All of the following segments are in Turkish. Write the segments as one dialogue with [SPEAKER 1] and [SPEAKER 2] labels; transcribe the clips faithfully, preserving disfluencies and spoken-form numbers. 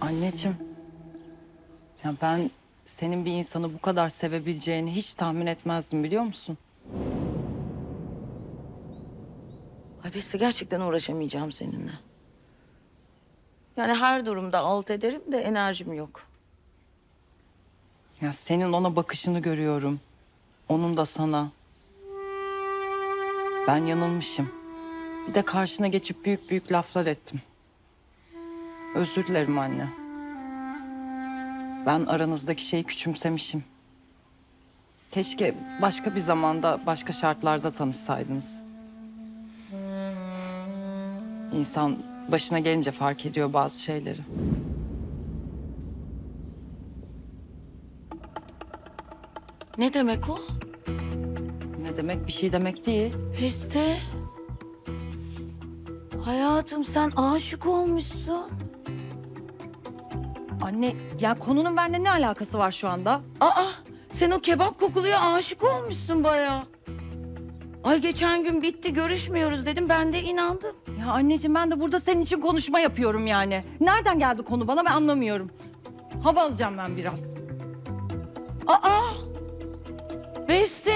[SPEAKER 1] Anneciğim, ya ben senin bir insanı bu kadar sevebileceğini hiç tahmin etmezdim biliyor musun?
[SPEAKER 2] Ay Beste gerçekten uğraşamayacağım seninle. Yani her durumda alt ederim de enerjim yok.
[SPEAKER 1] Ya senin ona bakışını görüyorum. Onun da sana. Ben yanılmışım. Bir de karşına geçip büyük büyük laflar ettim. Özür dilerim anne. Ben aranızdaki şeyi küçümsemişim. Keşke başka bir zamanda, başka şartlarda tanışsaydınız. İnsan başına gelince fark ediyor bazı şeyleri.
[SPEAKER 2] Ne demek o?
[SPEAKER 1] Ne demek? Bir şey demek değil.
[SPEAKER 2] Beste. Hayatım sen aşık olmuşsun.
[SPEAKER 1] Anne, ya konunun benimle ne alakası var şu anda?
[SPEAKER 2] Aa sen o kebap kokuluya aşık olmuşsun bayağı. Ay geçen gün bitti görüşmüyoruz dedim ben de inandım.
[SPEAKER 1] Ya anneciğim ben de burada senin için konuşma yapıyorum yani. Nereden geldi konu bana ben anlamıyorum. Hava alacağım ben biraz.
[SPEAKER 2] Aa Beste.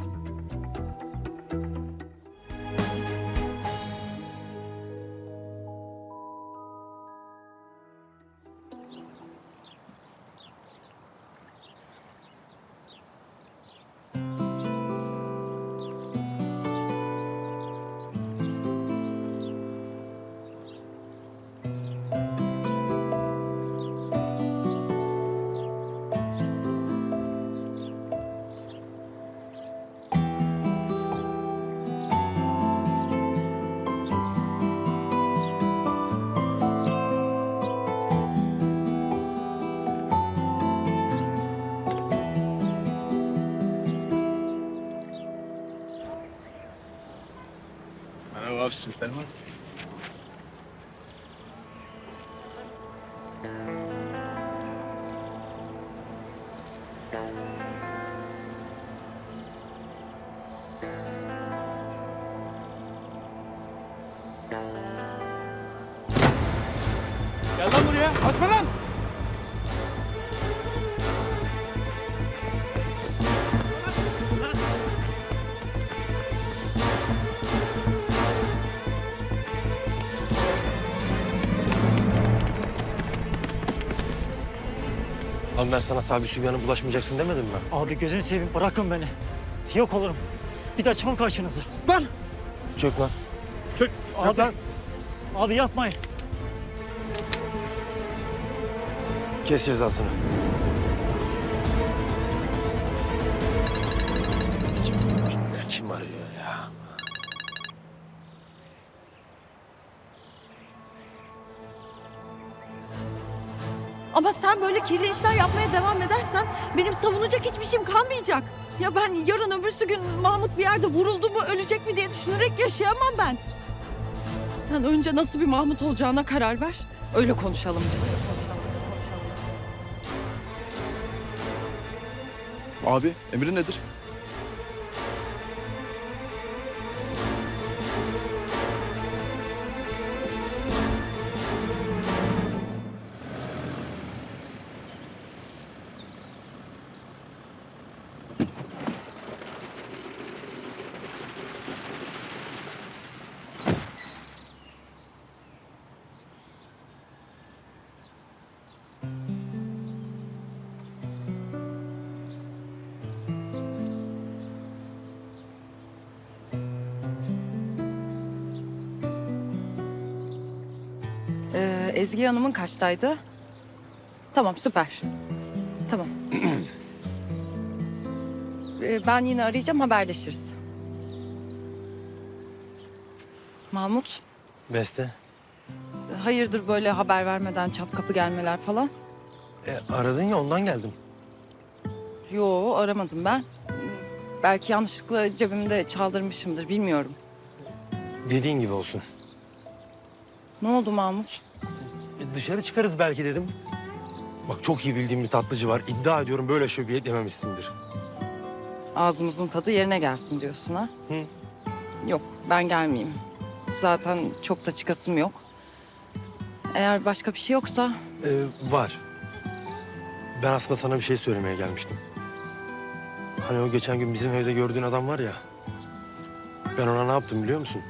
[SPEAKER 3] Merhaba abi, simitler var. Gel lan buraya, açma lan!
[SPEAKER 4] Abi ben sana Sabi Sübyan'a bulaşmayacaksın demedim mi?
[SPEAKER 5] Abi gözünü seveyim bırakın beni. Yok olurum. Bir de çıkmam karşınıza.
[SPEAKER 3] Lan!
[SPEAKER 4] Çök lan.
[SPEAKER 3] Çök!
[SPEAKER 5] Abi,
[SPEAKER 3] lan!
[SPEAKER 5] abi yapmayın.
[SPEAKER 4] Kes cezasını. Kim, kim arıyor ya?
[SPEAKER 1] Ama sen böyle kirli işler yapmaya devam edersen benim savunacak hiçbir şeyim kalmayacak. Ya ben yarın öbürsü gün Mahmut bir yerde vuruldu mu ölecek mi diye düşünerek yaşayamam ben. Sen önce nasıl bir Mahmut olacağına karar ver. Öyle konuşalım biz.
[SPEAKER 6] Abi emri nedir?
[SPEAKER 1] Ee, Ezgi Hanım'ın kaçtaydı? Tamam süper. Tamam. Ee, ben yine arayacağım haberleşiriz. Mahmut,
[SPEAKER 4] Beste.
[SPEAKER 1] hayırdır böyle haber vermeden çat kapı gelmeler falan?
[SPEAKER 4] E, aradın ya ondan geldim.
[SPEAKER 1] Yo aramadım ben. Belki yanlışlıkla cebimde çaldırmışımdır bilmiyorum.
[SPEAKER 4] Dediğin gibi olsun.
[SPEAKER 1] Ne oldu Mahmut?
[SPEAKER 4] E, dışarı çıkarız belki dedim. Bak çok iyi bildiğim bir tatlıcı var. İddia ediyorum böyle şöbiyet yememişsindir.
[SPEAKER 1] Ağzımızın tadı yerine gelsin diyorsun ha?
[SPEAKER 4] Hı.
[SPEAKER 1] Yok ben gelmeyeyim. Zaten çok da çıkasım yok. Eğer başka bir şey yoksa
[SPEAKER 4] Ee, var. Ben aslında sana bir şey söylemeye gelmiştim. Hani o geçen gün bizim evde gördüğün adam var ya. Ben ona ne yaptım biliyor musun?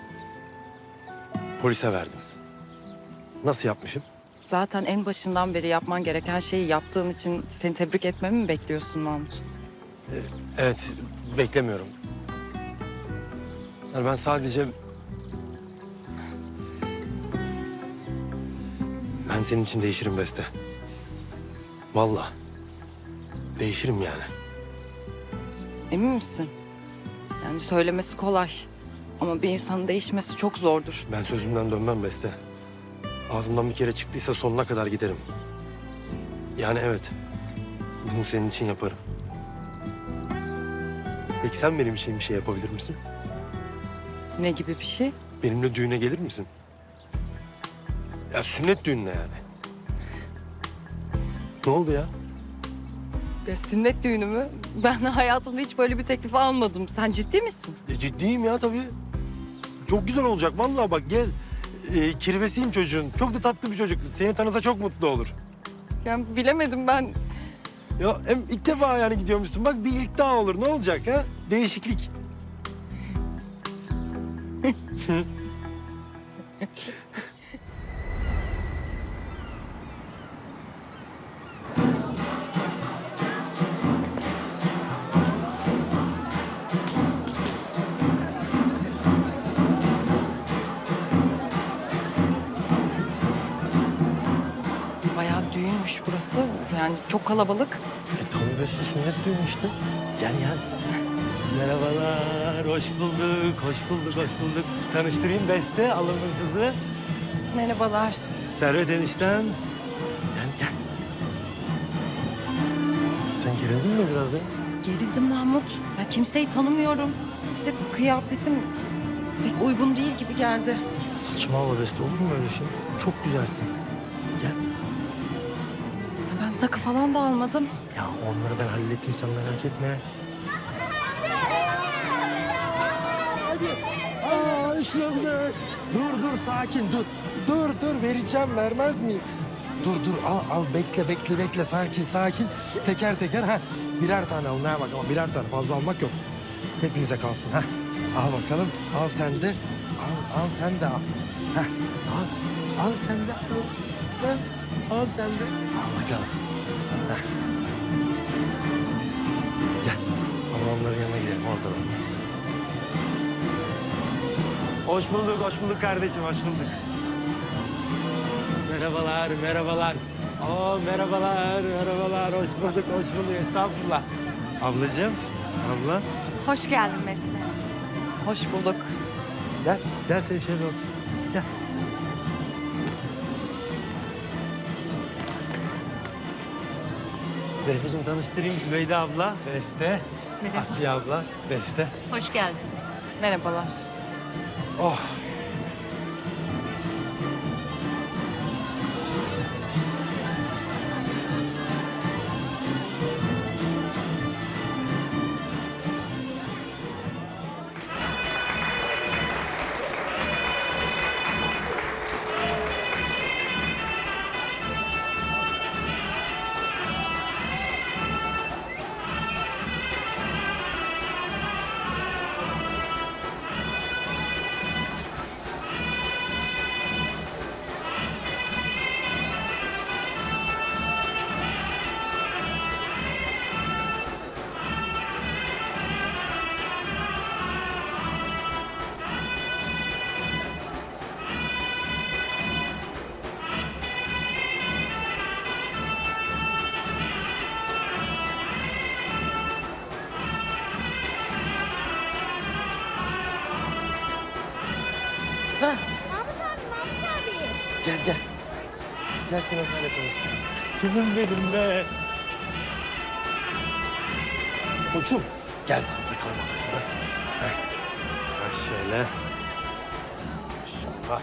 [SPEAKER 4] Polise verdim. Nasıl yapmışım?
[SPEAKER 7] Zaten en başından beri yapman gereken şeyi yaptığın için seni tebrik etmemi mi bekliyorsun Mahmut?
[SPEAKER 4] Evet, beklemiyorum. Yani ben sadece... Ben senin için değişirim Beste. Vallahi. Değişirim yani.
[SPEAKER 7] Emin misin? Yani söylemesi kolay. Ama bir insanın değişmesi çok zordur.
[SPEAKER 4] Ben sözümden dönmem Beste. Ağzımdan bir kere çıktıysa sonuna kadar giderim. Yani evet. Bunu senin için yaparım. Peki sen benim için bir şey yapabilir misin?
[SPEAKER 7] Ne gibi bir şey?
[SPEAKER 4] Benimle düğüne gelir misin? Ya sünnet düğününe yani. Ne oldu ya?
[SPEAKER 7] Ya sünnet düğünü mü? Ben hayatımda hiç böyle bir teklif almadım. Sen ciddi misin?
[SPEAKER 4] E, ciddiyim ya tabii. Çok güzel olacak vallahi bak gel. E, kirvesiyim çocuğun. Çok da tatlı bir çocuk. Seni tanısa çok mutlu olur.
[SPEAKER 7] Yani bilemedim ben.
[SPEAKER 4] Ya hem ilk defa yani gidiyormuşsun. Bak bir ilk daha olur. Ne olacak ha? Değişiklik.
[SPEAKER 7] Bayağı düğünmüş burası. Yani çok kalabalık.
[SPEAKER 4] E tabii Beste sünnet düğünü işte. Gel gel. Merhabalar, hoş bulduk, hoş bulduk, hoş bulduk. Tanıştırayım Beste, alımın kızı.
[SPEAKER 7] Merhabalar.
[SPEAKER 4] Servet enişten. Gel gel. Sen gerildin mi biraz ya?
[SPEAKER 7] Gerildim Mahmut. Ya kimseyi tanımıyorum. Bir de kıyafetim pek uygun değil gibi geldi.
[SPEAKER 4] Saçmalama Beste, olur mu öyle şey? Çok güzelsin. Gel.
[SPEAKER 7] Ben takı falan da almadım.
[SPEAKER 4] Ya onları ben hallettim, sen merak etme. Hadi. Aa, hoş bulduk. Dur dur, sakin dur. Dur dur, vereceğim, vermez miyim? Dur dur, al al, bekle bekle bekle, sakin sakin. Teker teker, ha. Birer tane al, neye bak ama birer tane, fazla almak yok. Hepinize kalsın, ha. Al bakalım, al sen de. Al, al sen de al. Ha, al, al sen de al. Ha, al sen de. Al bakalım. Ha. Gel, ablamların yanına gidelim, orada. Hoş bulduk, hoş bulduk kardeşim, hoş bulduk. Merhabalar, merhabalar. Oo, merhabalar, merhabalar. Hoş bulduk, hoş bulduk. Estağfurullah. Ablacığım, abla.
[SPEAKER 1] Hoş geldin Beste.
[SPEAKER 7] Hoş bulduk.
[SPEAKER 4] Gel, gel sen şöyle otur. Gel. Besteciğim tanıştırayım Zübeyde abla. Beste. Asiye abla. Beste.
[SPEAKER 1] Hoş geldiniz.
[SPEAKER 7] Merhabalar.
[SPEAKER 4] Oh.
[SPEAKER 8] Mahmut abi, Mahmut abi.
[SPEAKER 4] Gel gel. Gel seni öyle tanıştır. Senin benim be. Koçum. Gel sen bakalım sana. Heh. Bak şöyle. Bak.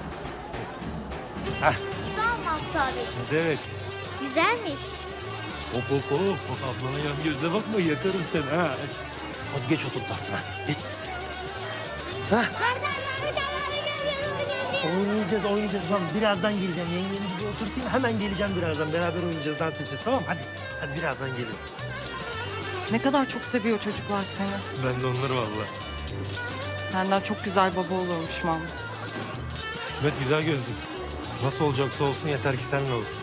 [SPEAKER 4] Heh.
[SPEAKER 8] Sağ ol Mahmut abi.
[SPEAKER 4] Ne demek?
[SPEAKER 8] Güzelmiş.
[SPEAKER 4] Hop hop hop. Bak ablana yan gözle bakma, yakarım seni ha. Hadi geç otur tahtına. Geç.
[SPEAKER 8] Mahmut abi, Mahmut abi, hadi gel, gel, gel, gel.
[SPEAKER 4] Oynayacağız, oynayacağız. Tamam, birazdan geleceğim. Yengenizi bir oturtayım. Hemen geleceğim birazdan. Beraber oynayacağız, dans edeceğiz. Tamam mı? Hadi. Hadi birazdan gelin.
[SPEAKER 7] Ne kadar çok seviyor çocuklar seni.
[SPEAKER 4] Ben de onları vallahi.
[SPEAKER 7] Senden çok güzel baba olurmuş Mahmut.
[SPEAKER 4] Kısmet güzel gözlüm. Nasıl olacaksa olsun yeter ki seninle olsun.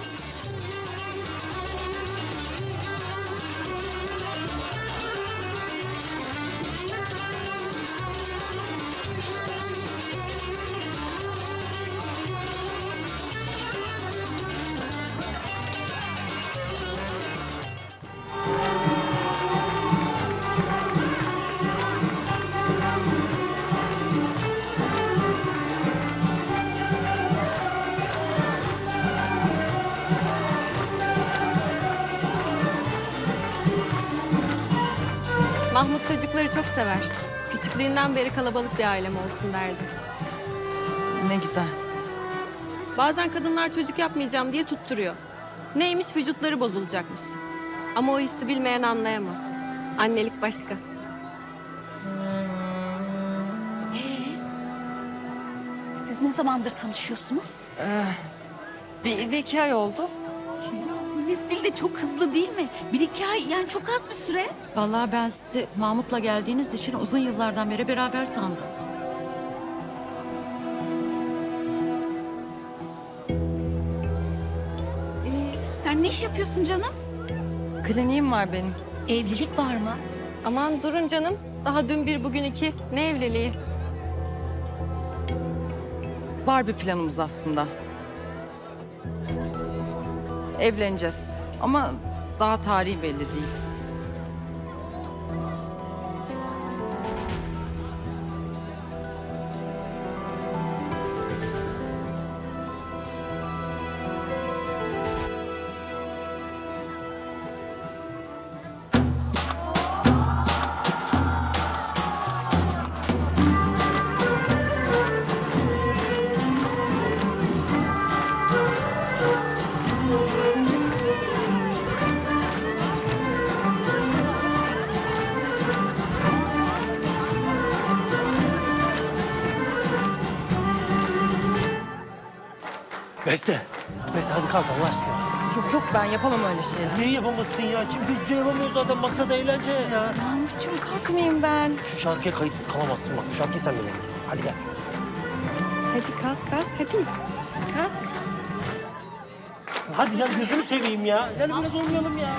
[SPEAKER 9] Mahmut çocukları çok sever. Küçüklüğünden beri kalabalık bir ailem olsun derdi.
[SPEAKER 2] Ne güzel.
[SPEAKER 9] Bazen kadınlar çocuk yapmayacağım diye tutturuyor. Neymiş vücutları bozulacakmış. Ama o hissi bilmeyen anlayamaz. Annelik başka.
[SPEAKER 1] Siz ne zamandır tanışıyorsunuz?
[SPEAKER 7] Bir, bir iki ay oldu.
[SPEAKER 1] Nesil de çok hızlı değil mi? Bir iki ay yani çok az bir süre.
[SPEAKER 2] Vallahi ben sizi Mahmut'la geldiğiniz için uzun yıllardan beri beraber sandım.
[SPEAKER 1] Ee, sen ne iş yapıyorsun canım?
[SPEAKER 2] Kliniğim var benim.
[SPEAKER 1] Evlilik var mı?
[SPEAKER 9] Aman durun canım. Daha dün bir bugün iki. Ne evliliği?
[SPEAKER 2] Var bir planımız aslında. Evleneceğiz ama daha tarihi belli değil.
[SPEAKER 4] Beste. Beste hadi kalk Allah aşkına.
[SPEAKER 2] Yok yok ben yapamam öyle şeyler.
[SPEAKER 4] Niye yapamazsın ya? Kim hiçbir şey yapamıyor zaten. Maksat eğlence ya.
[SPEAKER 2] Mahmutcuğum kalkmayayım ben.
[SPEAKER 4] Şu şarkıya kayıtsız kalamazsın bak. Bu şarkıyı sen bilemezsin. Hadi gel.
[SPEAKER 1] Hadi kalk kalk hadi.
[SPEAKER 4] Hadi gel gözünü seveyim ya. Gel biraz oynayalım ya.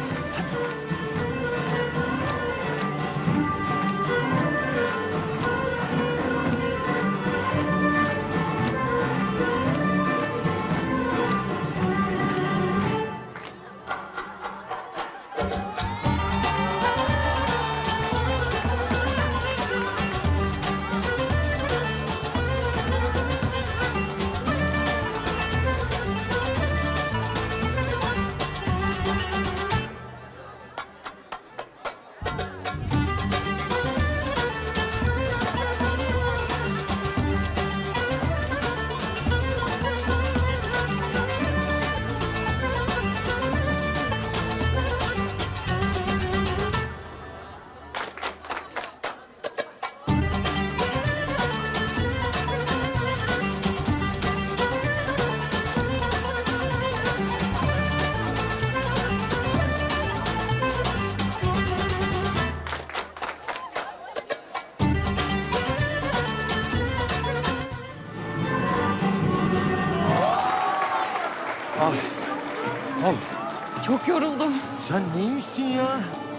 [SPEAKER 4] Al. Al.
[SPEAKER 7] Çok yoruldum
[SPEAKER 4] Sen neymişsin ya?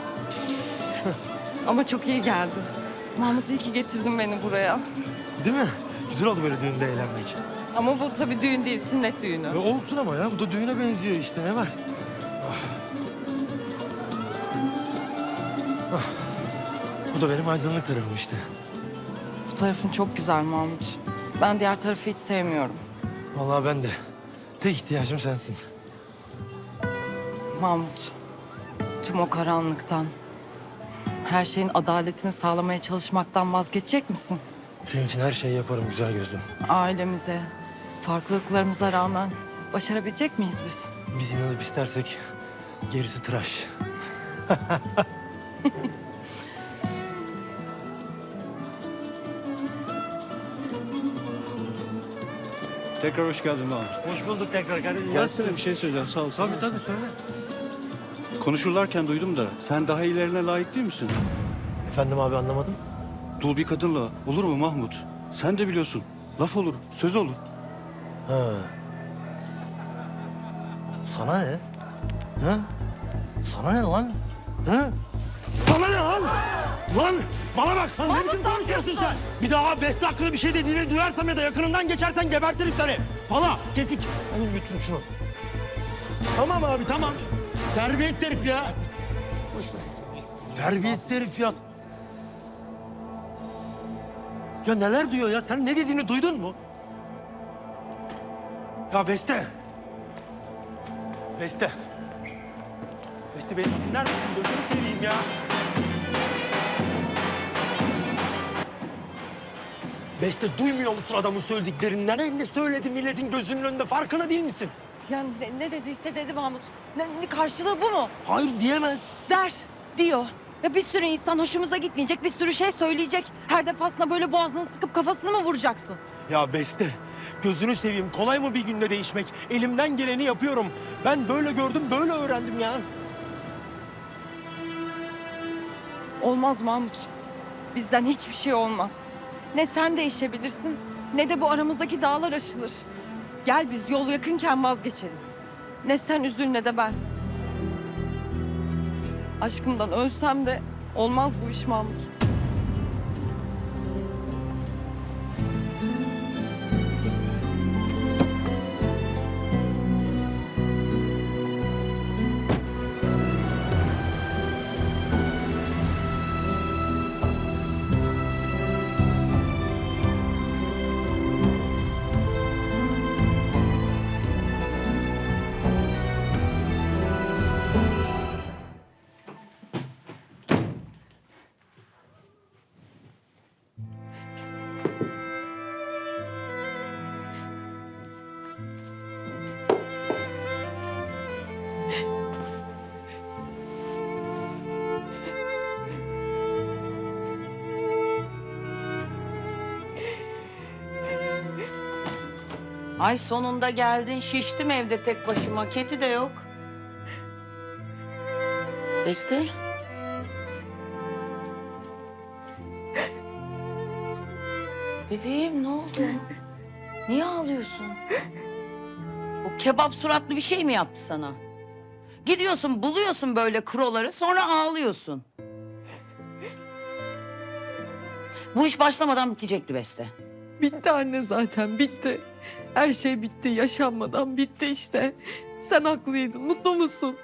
[SPEAKER 7] ama çok iyi geldin. Mahmut iyi ki getirdin beni buraya.
[SPEAKER 4] Değil mi? Güzel oldu böyle düğünde eğlenmek.
[SPEAKER 7] Ama bu tabii düğün değil, sünnet düğünü.
[SPEAKER 4] E olsun ama ya. Bu da düğüne benziyor işte. Ne var? Ah. Ah. Bu da benim aydınlık tarafım işte.
[SPEAKER 7] Bu tarafın çok güzel Mahmut. Ben diğer tarafı hiç sevmiyorum.
[SPEAKER 4] Vallahi ben de. Tek ihtiyacım sensin.
[SPEAKER 7] Mahmut, tüm o karanlıktan, her şeyin adaletini sağlamaya çalışmaktan vazgeçecek misin?
[SPEAKER 4] Senin için her şeyi yaparım güzel gözlüm.
[SPEAKER 7] Ailemize, farklılıklarımıza rağmen başarabilecek miyiz biz?
[SPEAKER 4] Biz inanıp istersek gerisi tıraş.
[SPEAKER 10] Tekrar hoş geldin Mahmut.
[SPEAKER 5] Hoş bulduk tekrar kardeşim.
[SPEAKER 10] Gelsene bir şey söyleyeceğim sağ ol.
[SPEAKER 5] Tabii tabii söyle.
[SPEAKER 10] Konuşurlarken duydum da sen daha iyilerine layık değil misin?
[SPEAKER 4] Efendim abi anlamadım.
[SPEAKER 10] Dul bir kadınla olur mu Mahmut? Sen de biliyorsun. Laf olur, söz olur.
[SPEAKER 4] Ha. Sana ne? Ha? Sana ne lan? Ha? Sana ne lan? Lan bana bak. Lan ne biçim konuşuyorsun sen? Bir daha Beste hakkında bir şey dediğini duyarsam ya da yakınından geçersen gebertirim seni. Valla kesik. Onu götürün şunu. Tamam abi tamam. Terbiyesiz herif ya. Terbiyesiz herif ya. Ya neler diyor ya? Sen ne dediğini duydun mu? Ya Beste. Beste. Beste beni dinler misin? Gözünü seveyim ya. Beste duymuyor musun adamın söylediklerinden? Ne, ne söyledi milletin gözünün önünde farkında değil misin?
[SPEAKER 1] Yani ne, ne dediyse dedi Mahmut. Ne, ne karşılığı bu mu?
[SPEAKER 4] Hayır diyemez.
[SPEAKER 1] Der, diyor. Ya bir sürü insan hoşumuza gitmeyecek, bir sürü şey söyleyecek. Her defasında böyle boğazını sıkıp kafasını mı vuracaksın?
[SPEAKER 4] Ya Beste gözünü seveyim kolay mı bir günde değişmek? Elimden geleni yapıyorum. Ben böyle gördüm böyle öğrendim ya.
[SPEAKER 1] Olmaz Mahmut. Bizden hiçbir şey olmaz. Ne sen değişebilirsin, ne de bu aramızdaki dağlar aşılır. Gel biz yol yakınken vazgeçelim. Ne sen üzül ne de ben. Aşkımdan ölsem de olmaz bu iş Mahmut.
[SPEAKER 2] Ay sonunda geldin. Şiştim evde tek başıma. Keti de yok. Beste. Bebeğim ne oldu? Niye ağlıyorsun? O kebap suratlı bir şey mi yaptı sana? Gidiyorsun buluyorsun böyle kroları sonra ağlıyorsun. Bu iş başlamadan bitecekti Beste.
[SPEAKER 1] Bitti anne zaten bitti. Her şey bitti yaşanmadan bitti işte. Sen haklıydın mutlu musun?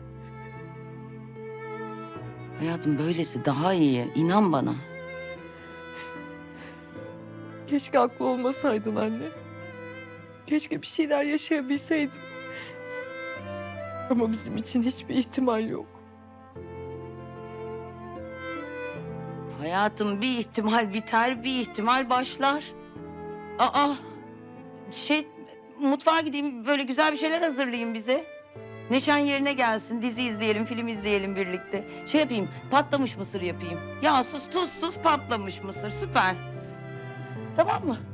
[SPEAKER 2] Hayatım böylesi daha iyi. İnan bana.
[SPEAKER 1] Keşke haklı olmasaydın anne. Keşke bir şeyler yaşayabilseydim. Ama bizim için hiçbir ihtimal yok.
[SPEAKER 2] Hayatım bir ihtimal biter, bir ihtimal başlar. Aa, şey mutfağa gideyim böyle güzel bir şeyler hazırlayayım bize. Neşen yerine gelsin, dizi izleyelim, film izleyelim birlikte. Şey yapayım, patlamış mısır yapayım. Yağsız, tuzsuz patlamış mısır, süper. Tamam mı?